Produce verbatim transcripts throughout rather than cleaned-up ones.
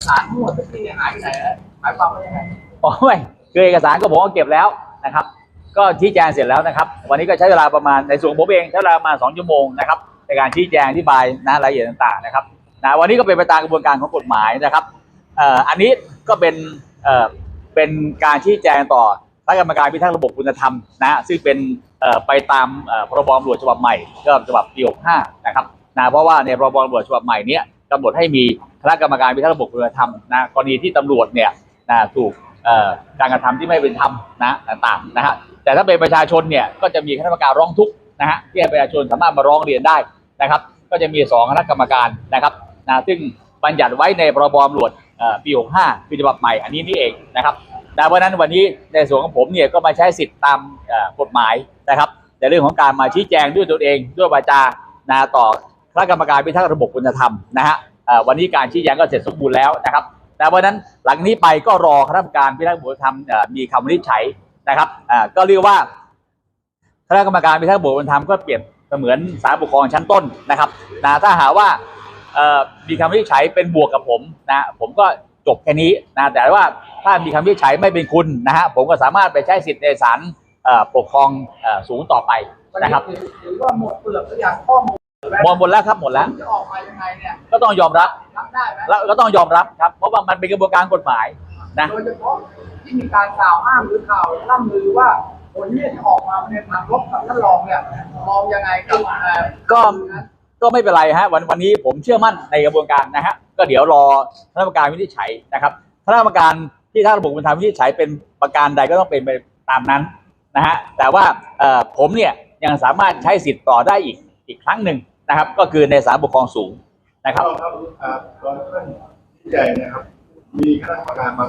ารทั้งหมดที่หายไปไหนหมายความว่ายังไงอ๋อไม่คือเอกสารก็ผมก็เก็บแล้วนะครับก็ชี้แจงเสร็จแล้วนะครับวันนี้ก็ใช้เวลาประมาณในส่วนผมเองใช้เวลามาสองชั่วโมงนะครับในการชี้แจงอธิบายนะรายละเอียดต่างๆนะครับนะวันนี้ก็เป็นไปตามกระบวนการของกฎหมายนะครับเอ่ออันนี้ก็เป็นเอ่อเป็นการชี้แจงต่อคณะกรรมการพิทักษ์ระบบคุณธรรมนะซึ่งเป็นเอ่อไปตามเอ่อพรบตำรวจฉบับใหม่ก็ฉบับปีหกสิบห้านะครับนะเพราะว่าในพรบตำรวจฉบับใหม่นี้กำหนดให้มีคณะกรรมการพิทักษ์ระบบคุณธรรมนะกรณีที่ตำรวจเนี่ยนะถูกการกระทำที่ไม่เป็นธรรมนะต่างๆนะฮะแต่ถ้าเป็นประชาชนเนี่ยก็จะมีคณะกรรมการร้องทุกข์นะฮะที่ให้ประชาชนสามารถมาร้องเรียนได้นะครับก็จะมีสองคณะกรรมการนะครับนะซึ่งบัญญัติไว้ในพรบตำรวจปีหกสิบห้าปีฉบับใหม่อันนี้นี่เองนะครับแต่เพราะนั้นวันนี้ในส่วนของผมเนี่ยก็มาใช้สิทธิ์ตามกฎหมายนะครับในเรื่องของการมาชี้แจงด้วยตัวเองด้วยวาจานะต่อคณะกรรมการพิทักษ์ระบบคุณธรรมนะฮะวันนี้การชี้แจงก็เสร็จสมบูรณ์แล้วนะครับแต่เพราะนั้นหลังนี้ไปก็รอคณะกรรมการพิทักษ์ระบบคุณธรรมมีคำวินิจฉัยนะครับก็เรียกว่าคณะกรรมการพิทักษ์ระบบคุณธรรมก็เปรียบเสมือนศาลปกครองชั้นต้นนะครับนะถ้าหาว่ามีคำวินิจฉัยเป็นบวกกับผมนะผมก็จบแค่นี้นะแต่ว่าถ้ามีคำวินิจฉัยไม่เป็นคุณนะฮะผมก็สามารถไปใช้สิทธิ์ในศาลปกครองสูงต่อไปนะครับหรือว่าหมดเปลือกตัวอย่างข้อมูลหมดหมดแล้วครับหมดแล้วจะออกมายังไงเนี่ยก็ต้องยอมรับรับได้ไหมแล้วก็ต้องยอมรับครับเพราะว่ามันเป็นกระบวนการกฎหมายนะโดยเฉพาะที่มีการกล่าวอ้างหรือข่าวล่ำลือว่าผลที่ออกมาในทางลบกับท่านรองเนี่ยมองยังไงกับก็ก็ไม่เป็นไรฮะวันวันนี้ผมเชื่อมั่นในกระบวนการนะฮะก็เดี๋ยวรอคณะกรรมการวินิจฉัยนะครับคณะกรรมการที่ถ้าระบบเป็นธรรมวินิจฉัยเป็นประการใดก็ต้องเป็นไปตามนั้นนะฮะแต่ว่าผมเนี่ยยังสามารถใช้สิทธิ์ต่อได้อีกอีกครั้งหนึ่งนะครับก็คือในศาลปกครองสูงนะครับครับรองท่านที่ใหญ่นะครับมีคณะกรรมการบาง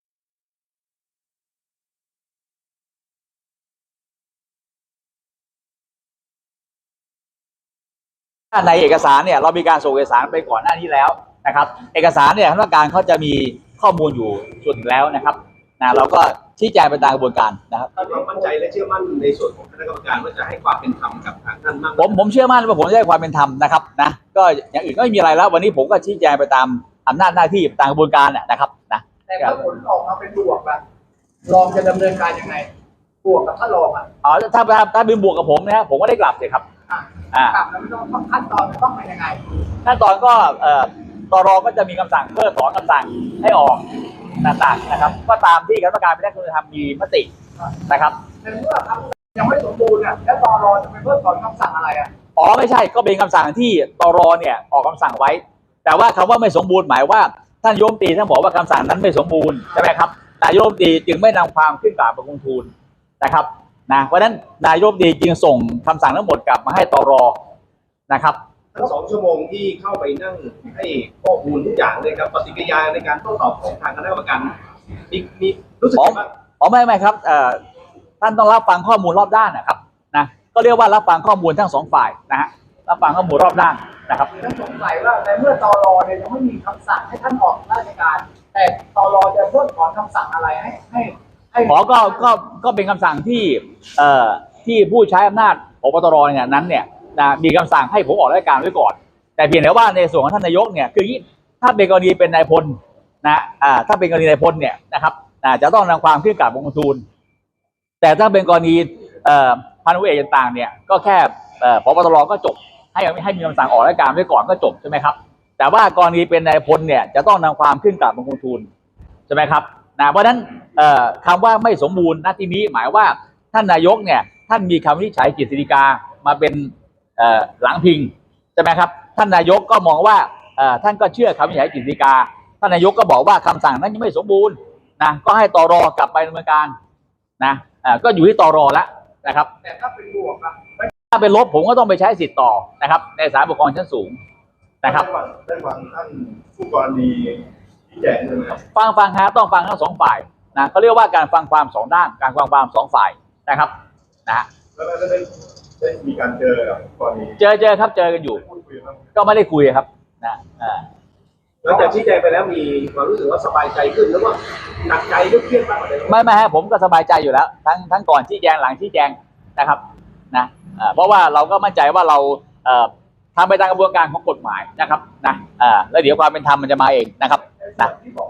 ในเอกสารเนี่ยเรามีการส่งเอกสารไปก่อนหน้านี้แล้วนะครับเอกสารเนี่ยคณะกรรมการเขาจะมีข้อมูลอยู่ส่วนแล้วนะครับนะเราก็ชี้แจงไปตามกระบวนการนะครับเรามั่นใจและเชื่อมั่นในส่วนของคณะกรรมการว่าจะให้ความเป็นธรรมกับทางท่านมากผมผมเชื่อมั่นว่าผมจะให้ความเป็นธรรมนะครับนะก็อย่างอื่นก็ไม่มีอะไรแล้ววันนี้ผมก็ชี้แจงไปตามอำนาจหน้าที่ตามกระบวนการนะครับนะแต่ถ้าผลออกมาเป็นบวกละรองจะดำเนินการยังไงบวกกับท่านรองอ่ะอ๋อถ้าถ้าถ้าเป็นบวกกับผมนะผมก็ได้กลับเลยครับอ่ากลับแล้วต้องขั้นตอนต้องเป็นยังไงขั้นตอนก็เอ่อตรก็จะมีคำสั่งเพิกถอนคำสั่งให้ออกต่างๆนะครับก็ตามที่คณะกรรมการพิทักษ์คุณธรรมมีมตินะครับในเมื่อคำยังไม่สมบูรณ์เนี่ยแล้วตรจะไปเพิกถอนคำสั่งอะไรอ่ะอ๋อไม่ใช่ก็เป็นคำสั่งที่ตรเนี่ยออกคำสั่งไว้แต่ว่าคำว่าไม่สมบูรณ์หมายว่าท่านโยมตีท่านบอกว่าคำสั่งนั้นไม่สมบูรณ์ใช่ไหมครับนายโยมตีจึงไม่นำความขึ้นกราบบังคมทูลนะครับนะเพราะฉะนั้นนายโยมตีจึงส่งคำสั่งทั้งหมดกลับมาให้ตรนะครับทั้งสองชั่วโมงที่เข้าไปนั่งให้ข้อมูลทุกอย่างเลยครับปฏิกิริยาในการโต้ตอบของทางคณะกรรมการมีมีรู้สึกว่าอ๋อไม่ไม่ครับเอ่อท่านต้องรับฟังข้อมูลรอบด้านนะครับนะก็เรียกว่ารับฟังข้อมูลทั้งสองฝ่ายนะฮะรับฟังข้อมูลรอบด้านนะครับท่านสงสัยว่าในเมื่อตรเนี่ยยังไม่มีคำสั่งให้ท่านออกราชการแต่ตรจะเพิกถอนคำสั่งอะไรให้ให้ให้ขอก็ก็ก็เป็นคำสั่งที่เอ่อที่ผู้ใช้อำนาจผบตรเนี่ยนั้นเนี่ยนะมีคำสั่งให้ผมออกราชการไว้ก่อนแต่เพียงแต่ว่าในส่วนของท่านนายกเนี่ยคือถ้าเป็นกรณีเป็นนายพลนะอ่าถ้าเป็นกรณีนายพลเนี่ยนะครับอ่าจะต้องนำความขึ้นกราบบังคมทูลแต่ถ้าเป็นกรณีเอ่อพันธุ์เอกต่างๆเนี่ยก็แค่เอ่อผบตรก็จบให้ให้มีคำสั่งออกราชการไว้ก่อนก็จบใช่ไหมครับแต่ว่ากรณีเป็นนายพลเนี่ยจะต้องนำความขึ้นกราบบังคมทูลใช่ไหมครับนะเพราะฉะนั้นเอ่อคำว่าไม่สมบูรณ์ณที่นี้หมายว่าท่านนายกเนี่ยท่านมีคำวินิจฉัยกฤษฎีกามาเป็นหลังพิงใช่ไหมครับท่านนายกก็มองว่าท่านก็เชื่อคำวินิจฉัยกฤษฎีกาท่านนายกก็บอกว่าคำสั่งนั้นยังไม่สมบูรณ์นะก็ให้ตรกลับไปดำเนินการนะก็อยู่ที่ตรแล้วนะครับแต่ถ้าเป็นบวกนะถ้าเป็นลบผมก็ต้องไปใช้สิทธิ์ต่อนะครับในศาลปกครองชั้นสูงนะครับได้ฟังท่านผู้กรณีที่แจ้งใช่ไหมครับฟังฟังฮะต้องฟังทั้งสองฝ่ายนะเขาเรียกว่าการฟังความสองด้านการฟังความสองฝ่ายนะครับนะแล้วได้ได้มีการเจอกับกรณีเจอเจอครับเจอกันอยู่ก็ไม่ได้คุยครับนะหลังจากชี้แจงไปแล้วมีความรู้สึกว่าสบายใจขึ้นหรือว่าหนักใจหรือเครียดมากกว่าเดิมไม่ไม่ฮะผมก็สบายใจอยู่แล้วทั้งทั้งก่อนชี้แจงหลังชี้แจงนะครับนะเพราะว่าเราก็มั่นใจว่าเราทำไปตามกระบวนการของกฎหมายนะครับนะแล้วเดี๋ยวความเป็นธรรมมันจะมาเองนะครับนะ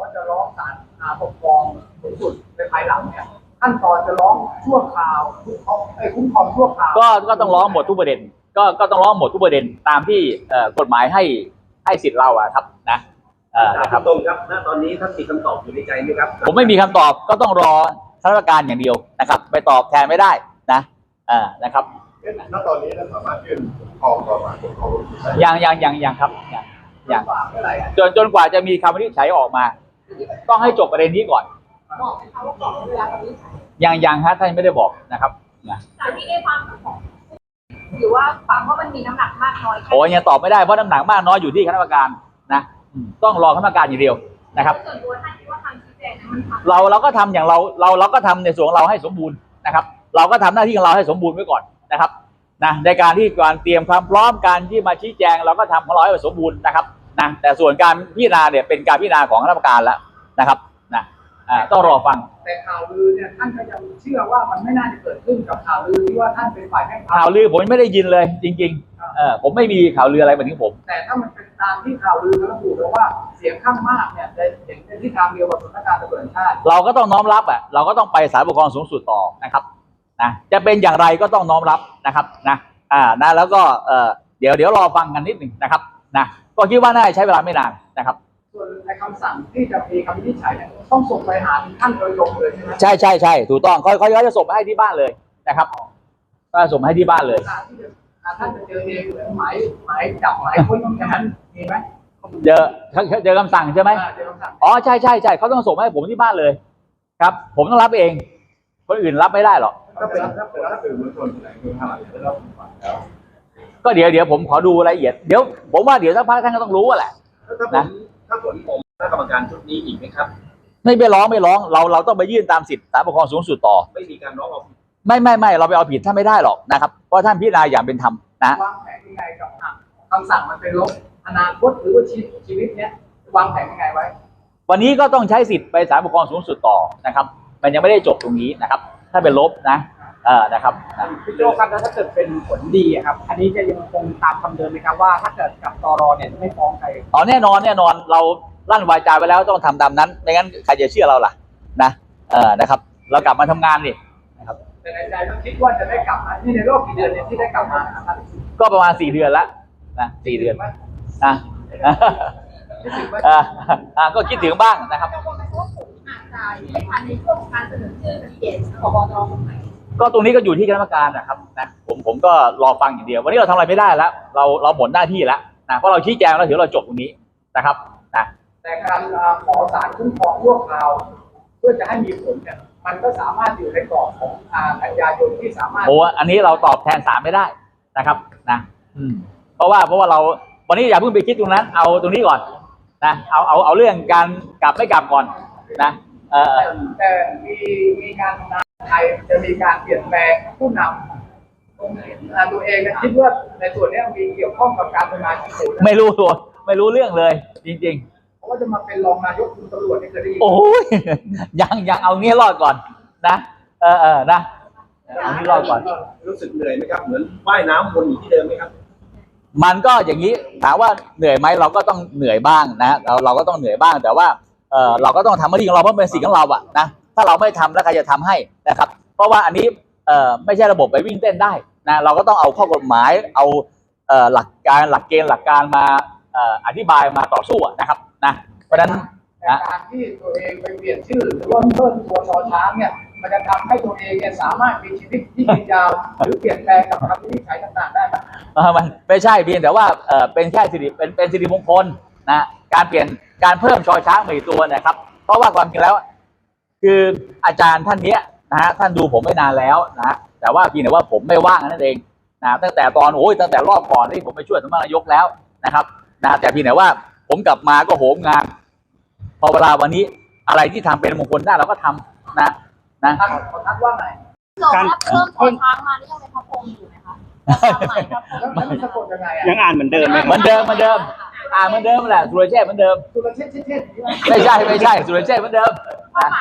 าปกครองสูงสุดในภายหลังเนี่ยขั้นตอนจะร้องชั่วคราวคุ้มครองไอ้คุ้มครองชั่วคราวก็ก็ต้องร้องหมดทุกประเด็นก็ก็ต้องร้องหมดทุกประเด็นตามที่เอ่อกฎหมายให้ให้สิทธิ์เราอะครับนะเอ่อนะครับตรงครับณตอนนี้ท่านมีคำตอบอยู่ในใจไหมครับผมไม่มีคำตอบก็ต้องรอคณะกรรมการอย่างเดียวนะครับไปตอบแทนไม่ได้นะเอ่านะครับณตอนนี้เราสามารถยื่นครองต่อมาครองลูกได้ยังยังยังยังครับยังยังฝากเมื่อไหร่อะจนจนกว่าจะมีคำวินิจฉัยออกมา ต้องให้จบประเด็นนี้ก่อนบอกไหมคะว่ากรอบเวลาตอนนี้ใช้ยังยังฮะท่านไม่ได้บอกนะครับนะจากที่ได้ฟังของหรือว่าฟังว่ามันมีน้ำหนักมากน้อยแค่โอ้ยยังตอบไม่ได้เพราะน้ำหนักมากน้อยอยู่ที่คณะกรรมการนะอืมต้องรอคณะกรรมการอย่างเดียวนะครับส่วนตัวท่านคิดว่าทางชี้แจงนั้นมันทำเราเราก็ทำอย่างเราเราเราก็ทำในส่วนของเราให้สมบูรณ์นะครับ เราก็ทำหน้าที่ของเราให้สมบูรณ์ไว้ก่อนนะครับนะในการที่การเตรียมความพร้อมการที่มาชี้แจงเราก็ทำของเราให้สมบูรณ์นะครับนะแต่ส่วนการพิจารณาเนี่ยเป็นการพิจารณาของคณะกรรมการแล้วนะครับนะอ่าต้องรอฟังแต่ข่าวลือเนี่ยท่านก็ยังเชื่อว่ามันไม่น่าจะเกิดขึ้นกับข่าวลือที่ว่าท่านเป็นฝ่ายแพ่งพรรคข่าวลือผมยังไม่ได้ยินเลยจริงๆเออผมไม่มีข่าวลืออะไรมาถึงผมแต่ถ้ามันเป็นตามที่ข่าวลือระบุแล้วว่าเสียงข้างมากเนี่ยจะเห็นเป็นที่ทางเดียวกับสำนักงานตำรวจแห่งชาติเราก็ต้องน้อมรับอ่ะเราก็ต้องไปศาลปกครองสูงสุดต่อนะครับนะจะเป็นอย่างไรก็ต้องน้อมรับนะครับนะอ่านะแล้วก็เออเดี๋ยวเดี๋ยวรอฟังกันนิดหนึ่งนะครับนะก็คิดว่าน่าจะใช้เวลาไม่นานนะครับส่วนในคำสั่งที่จะมีคำวินิจฉัยเนี่ยต้องส่งไปหาท่านโดยตรงเลยใช่ไหมใช่ใช่ใช่ถูกต้องเขาเขาเขาจะส่งมาให้ที่บ้านเลยนะครับก็ส่งมาให้ที่บ้านเลยการที่จะท่านจะเจอเองหรือหมายหมายจับหมายค้นอย่างนั้นมีไหมเจอเจอคำสั่งใช่ไหมอ่าเจอคำสั่งอ๋อใช่ใช่ใช่เขาต้องส่งมาให้ผมที่บ้านเลย ครับ ผมต้องรับเอง คนอื่นรับไม่ได้หรอกถ้าเป็นถ้าเป็นถ้าสื่อมวลชนแถลงคือทางหลังได้รับฟังแล้วก็เดี๋ยวเดี๋ยวผมขอดูรายละเอียดเดี๋ยวผมว่าเดี๋ยวสักพักท่านก็ต้องรู้อะแหละถ้าผมถ้าผลผมคณะกรรมการชุดนี้อีกไหมครับไม่ไปร้องไม่ร้องเราเราต้องไปยื่นตามสิทธิศาลปกครองสูงสุดต่อไม่มีการร้องเอาผิดไม่ไม่ไม่เราไปเอาผิดท่านไม่ได้หรอกนะครับเพราะท่านพิจารณาอย่างเป็นธรรมนะวางแผนยังไงกับอ่ะคำสั่งมันเป็นลบอนาคตหรือว่าชีวิตชีวิตเนี้ยวางแผนยังไงไว้วันนี้ก็ต้องใช้สิทธิ์ไปศาลปกครองสูงสุดต่อนะครับ มันยังไม่ได้จบตรงนี้นะครับ ถ้าเป็นลบนะเออนะครับนะพี่โจครับแล้วถ้าเกิดเป็นผลดีอะครับ อันนี้จะยังคงตามคำเดิมไหมครับว่าถ้าเกิดกับตรเนี่ยไม่ฟ้องใครอ๋อแน่นอนแน่นอนเราลั่นวาจาไปแล้วต้องทำตามนั้นไม่งั้นใครจะเชื่อเราล่ะนะเออนะครับ เรากลับมาทำงานนี่นะครับแต่ในใจก็คิดว่าจะได้กลับมาที่ในรอบกี่เดือนเนี่ยที่ได้กลับมานะครับก็ประมาณสี่เดือนละนะสี่เดือนไหมนะคิดถึงไหมอ่าอ่าก็คิดถึงบ้างนะครับกังวลไหมว่าผมอาจจะไม่ทันในช่วงของการเสนอชื่อแคนดิเดตผบตรคนใหม่ก็ตรงนี้ก็อยู่ที่คณะกรรมการนะครับนะผมผมก็รอฟังอย่างเดียว วันนี้เราทำอะไรไม่ได้แล้ว เราเราหมดหน้าที่แล้วนะเพราะเราชี้แจงแล้วถือเราจบตรงนี้นะครับนะแต่การอ่าขอสารคุ้มครองชั่วคราวเพื่อจะให้มีผลเนี่ยมันก็สามารถอยู่ในกรอบของอ่ากันยายนที่สามารถโอ้อันนี้เราตอบแทนศาลไม่ได้นะครับนะอืมเพราะว่าเพราะว่าเราวันนี้อย่าเพิ่งไปคิดตรงนั้น เอาตรงนี้ก่อนนะเอาเอาเอาเรื่องการกลับไม่กลับก่อนนะเออแต่แต่มีมีการทำงานไทยจะมีการเปลี่ยนแปลงผู้นำอ่าตัวเองเนี่ยคิดว่าในส่วนเนี้ยมีเกี่ยวข้องกับการทำงานของศูนย์นะไม่รู้ตัวไม่รู้เรื่องเลย จริงเพราะว่าจะมาเป็นรองนายกคุณตำรวจเนี่ยเคยได้ยินๆ โอ้ย ยังยังเอางี้รอดก่อนนะเออเออนะเอางี้รอดก่อนรู้สึกเหนื่อยไหมครับเหมือนว่ายน้ำวนอยู่ที่เดิมไหมครับมันก็อย่างนี้ถามว่าเหนื่อยไหมเราก็ต้องเหนื่อยบ้างนะเราเราก็ต้องเหนื่อยบ้างแต่ว่าเออเราก็ต้องทำหน้าที่ของเราเพราะเป็นสิ่งของเราอะนะถ้าเราไม่ทำแล้วใครจะทำให้นะครับ เพราะว่าอันนี้เออไม่ใช่ระบบไปวิ่งเต้นได้นะเราก็ต้องเอาข้อกฎหมายเอาเออหลักการหลักเกณฑ์หลักการมาเอ่ออธิบายมาต่อสู้อะนะครับนะเพราะฉะนั้นแต่การที่ตัวเองไปเปลี่ยนชื่อหรือว่าเพิ่มตัวชอช้างเนี่ยมันจะทำให้ตัวเองเนี่ยสามารถมีชีวิตที่ยืนยาวหรือเปลี่ยนแปลงกับคำวินิจฉัยต่างๆได้ไหมเออมันไม่ใช่เพียงแต่ว่าเออเป็นแค่สิริเป็นเป็นสิริมงคลนะการเปลี่ยนการเพิ่มชอช้างมาอีกตัวนะครับ เพราะว่าความจริงแล้ว คืออาจารย์ท่านเนี้ยนะฮะท่านดูผมไม่นานแล้วนะฮะแต่ว่าเพียงแต่ว่าผมไม่ว่างนั่นเองนะตั้งแต่ตอนโอ้ยตั้งแต่รอบก่อนที่ผมไปช่วยสำนักนายกแล้วนะครับนะแต่เพียงแต่ว่าผมกลับมาก็โหมงานพอเวลาวันนี้อะไรที่ทำเป็นมงคลได้เราก็ทำนะนะท่านขอทักว่าไงเรารับเพิ่มตัวช้างมานี่ยังเป็นพระพรหมอยู่ไหมคะความหมายพระพรหแล้วมแล้วมันสะกดยังไงอ่ะยังอ่านเหมือนเดิมไหมเหมือนเดิมเหมือนเดิมอ่าเหมือนเดิมแหละสุรเชษฐ์เหมือนเดิมสุรเชษฐ์เชษฐ์เชษฐ์อย่างนี้ไหมไม่ใช่ไม่ใช่สุรเชษฐ์เหมือนเดิมความนะหมายนะคะ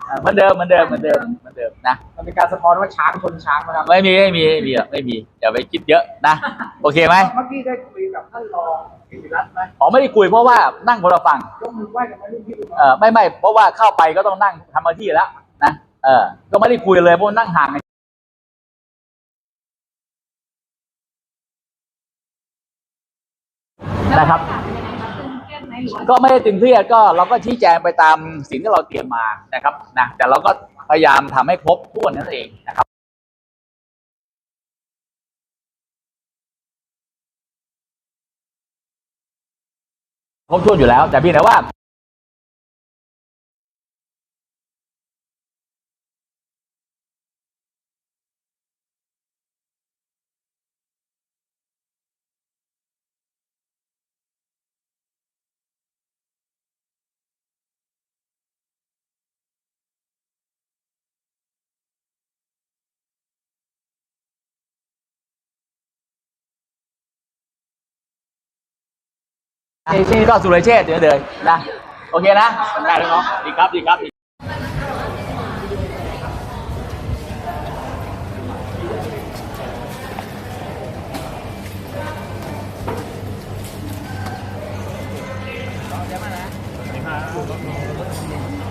เหมือนเดิมเหมือนเดิมเหมือนเดิมเหมือนเดิมนะมันเป็นการสะท้อนว่าช้างชนช้างนะครับไม่มีไม่มีไม่มีหรอกไม่มีอย่าไปคิดเยอะนะโอเคไหมเมื่อกี้ได้คุยกับท่านรองกิติรัตน์ไหมอ๋อไม่ได้คุยเพราะว่านั่งคนละฝั่งยกมือไหว้กันไหมรุ่นพี่รุ่นน้องเออไม่ไม่เพราะว่าเข้าไปก็ต้องนั่งทำหน้าที่แล้วนะเออก็ไม่ได้คุยเลยเพราะนั่งห่างกันนะครับ ก็ไม่ได้ตึงเครียดก็เราก็ชี้แจงไปตามสิ่งที่เราเตรียมมานะครับนะแต่เราก็พยายามทำให้ครบถ้วนนั่นเองนะครับครบถ้วนอยู่แล้วแต่เพียงแต่ว่าก็สุรเชษฐ์เดี๋ยวเดินนะโอเคนะได้แล้วเนาะดีครับดีครับเ